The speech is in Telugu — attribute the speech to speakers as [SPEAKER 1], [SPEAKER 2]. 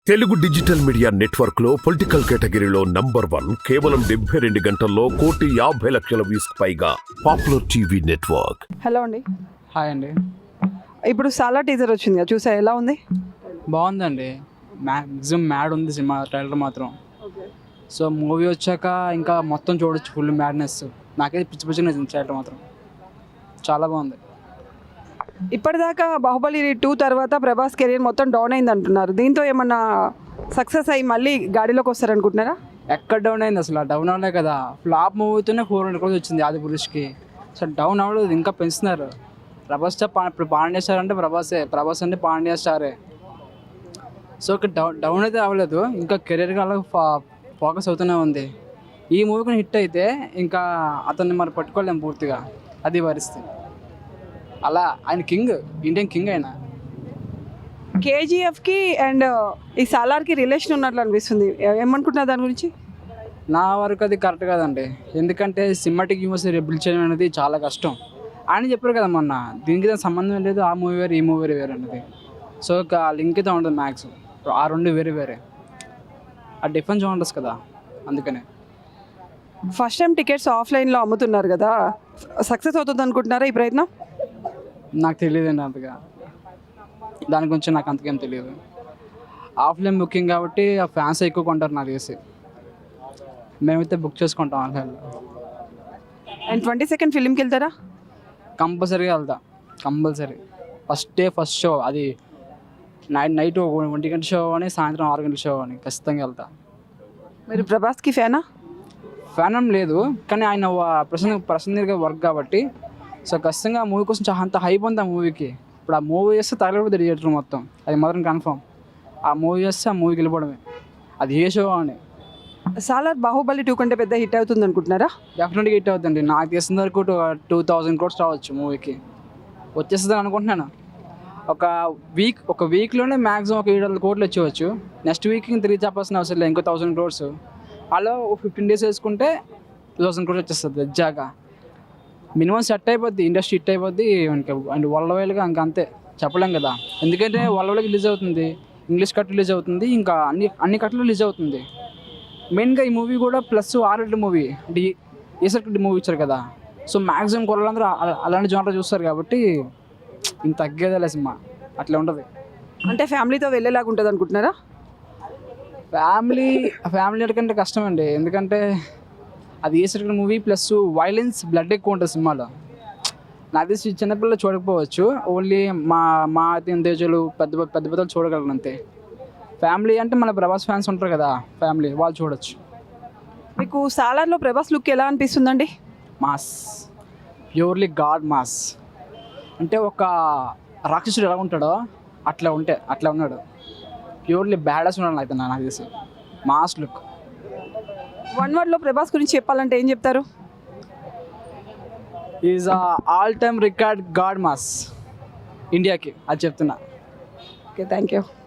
[SPEAKER 1] తెలుగు డిజిటల్ మీడియా నెట్వర్క్ లో పొలిటికల్ కేటగిరీలో #1 కేవలం 72 గంటల్లో 1,50,00,000 వ్యూస్ పైగా పాపులర్ టీవీ నెట్వర్క్.
[SPEAKER 2] హలో అండి.
[SPEAKER 3] హాయ్ అండి.
[SPEAKER 2] ఇప్పుడు సాలా టీజర్ వచ్చింది కదా, చూసా, ఎలా ఉంది?
[SPEAKER 3] బాగుందండి. మ్యాక్సిమం మ్యాడ్ ఉంది సినిమా ట్రైలర్ మాత్రం. సో మూవీ వచ్చాక ఇంకా మొత్తం చూడొచ్చు, ఫుల్ మ్యాడ్నెస్. నాకైతే పిచ్చి పిచ్చిగా నచ్చింది ట్రైలర్ మాత్రం, చాలా బాగుంది.
[SPEAKER 2] ఇప్పటిదాకా బాహుబలి 2 తర్వాత ప్రభాస్ కెరీర్ మొత్తం డౌన్ అయింది అంటున్నారు. దీంతో ఏమన్నా సక్సెస్ అయ్యి మళ్ళీ గాడిలోకి వస్తారనుకుంటున్నారా?
[SPEAKER 3] ఎక్కడ డౌన్ అయింది అసలు? డౌన్ అవలే కదా. ఫ్లాప్ మూవీతోనే 400 crores వచ్చింది ఆదిపురుష్కి. సో డౌన్ అవ్వలేదు, ఇంకా పెంచుతున్నారు. ప్రభాస్ ఇప్పుడు పాండ్యా స్టార్ అంటే ప్రభాస్ అంటే పాండ్యా స్టారే. సో ఇక్కడ డౌన్ అయితే అవ్వలేదు, ఇంకా కెరీర్గా అలా ఫోకస్ అవుతూనే ఉంది. ఈ మూవీ కూడా హిట్ అయితే ఇంకా అతన్ని మరి పట్టుకోలేము పూర్తిగా, అది పరిస్థితి. అలా ఆయన కింగ్, ఇండియన్ కింగ్ ఆయన.
[SPEAKER 2] కేజీఎఫ్కి అండ్ ఈ సాలార్కి రిలేషన్ ఉన్నట్లు అనిపిస్తుంది, ఏమనుకుంటున్నారు దాని గురించి?
[SPEAKER 3] నా వరకు అది కరెక్ట్ కాదండి. ఎందుకంటే సినిమాటిక్ యూనివర్స్ బిల్డ్ చేయడం అనేది చాలా కష్టం. ఆయన చెప్పారు కదా మొన్న, దీనికి దానికి సంబంధం లేదు, ఆ మూవీ వేరు ఈ మూవీ వేరు అనేది. సో లింక్ అయితే ఉండదు మ్యాక్సిమం. ఆ రెండు వేరే వేరే, ఆ డిఫరెన్స్ ఉండదు కదా, అందుకనే.
[SPEAKER 2] ఫస్ట్ టైం టికెట్స్ ఆఫ్లైన్లో అమ్ముతున్నారు కదా, సక్సెస్ అవుతుంది అనుకుంటున్నారా ఈ ప్రయత్నం?
[SPEAKER 3] నాకు తెలియదండి అంతగా, దాని గురించి నాకు అంతకేం తెలియదు. ఆఫ్లైన్ బుకింగ్ కాబట్టి ఆ ఫ్యాన్స్ ఎక్కువ కొంటారు నాకు తెలిసి. మేమైతే బుక్ చేసుకుంటాం ఆన్లైన్లో.
[SPEAKER 2] అండ్ 22nd ఫిలింకి వెళ్తారా?
[SPEAKER 3] కంపల్సరీగా వెళ్తా, compulsory. First day first show, అది నైట్ 1 గంట షో అని, సాయంత్రం 6 గంటల షో అని, ఖచ్చితంగా వెళ్తా.
[SPEAKER 2] మీరు ప్రభాస్కి ఫ్యానా?
[SPEAKER 3] ఫ్యాన్ ఏం లేదు, కానీ ఆయన ప్రసన్నగా వర్క్ కాబట్టి. సో ఖచ్చితంగా ఆ మూవీ కోసం అంత హైప్ ఉంది ఆ మూవీకి. ఇప్పుడు ఆ మూవీ చేస్తే తగలబడి థియేటర్ మొత్తం, అది మాత్రం కన్ఫర్మ్. ఆ మూవీ చేస్తే ఆ మూవీకి వెళ్ళిపోవడమే, అది ఏ షో అని.
[SPEAKER 2] సాలార్ బాహుబలి 2 కంటే పెద్ద హిట్ అవుతుంది అనుకుంటున్నారా?
[SPEAKER 3] డెఫినెట్గా హిట్ అవుతుందండి. నాకు తెలిసిన వరకు 2,000 crores రావచ్చు మూవీకి, వచ్చేస్తుంది అనుకుంటున్నాను. ఒక వీక్లోనే మ్యాక్సిమం ఒక 700 crores వచ్చేవచ్చు. నెక్స్ట్ వీక్ ఇంక 3 చెప్పాల్సిన అవసరం లేదు, ఇంకో 1,000 crores. అలా 15 days వేసుకుంటే 2,000 crores వచ్చేస్తుంది ఎగ్జాక్ట్గా. మినిమం సెట్ అయిపోద్ది, ఇండస్ట్రీ హిట్ అయిపోద్ది. అండ్ వరల్డ్గా ఇంకా అంతే చెప్పలేం కదా, ఎందుకంటే వరల్డ్కి రిలీజ్ అవుతుంది, ఇంగ్లీష్ కట్ రిలీజ్ అవుతుంది, ఇంకా అన్ని కట్లు రిలీజ్ అవుతుంది. మెయిన్గా ఈ మూవీ కూడా ప్లస్ R-rated మూవీ, అంటే ఏసర్ మూవీ ఇచ్చారు కదా. సో మ్యాక్సిమం కొలందరూ అలాంటి జోనర్ చూస్తారు కాబట్టి ఇంత తగ్గేదేలే సినిమా, అట్లా ఉంటుంది.
[SPEAKER 2] అంటే ఫ్యామిలీతో వెళ్ళేలాగా ఉంటుంది అనుకుంటున్నారా?
[SPEAKER 3] ఫ్యామిలీ కంటే కష్టం అండి, ఎందుకంటే అది ఏసర్ మూవీ ప్లస్ వైలెన్స్, బ్లడ్ ఎక్కువ ఉంటుంది సినిమాలో. నాకు తెలిసి చిన్నపిల్లలు చూడకపోవచ్చు, ఓన్లీ మా తేజలు పెద్ద చూడగలరు అంతే. ఫ్యామిలీ అంటే మన ప్రభాస్ ఫ్యాన్స్ ఉంటారు కదా, ఫ్యామిలీ వాళ్ళు చూడొచ్చు.
[SPEAKER 2] మీకు సాలార్లో ప్రభాస్ లుక్ ఎలా అనిపిస్తుందండి?
[SPEAKER 3] Mass, purely god mass. అంటే ఒక రాక్షసుడు ఎలా ఉంటాడో అట్లా ఉన్నాడు. ప్యూర్లీ బ్యాడస్ ఉన్నాడు అయితే నాకు తెలిసి, మాస్ లుక్.
[SPEAKER 2] 1 wordలో ప్రభాస్ గురించి చెప్పాలంటే ఏం చెప్తారు?
[SPEAKER 3] Is all time record god mass ఇండియాకి, అది చెప్తున్నా.
[SPEAKER 2] Okay, thank you.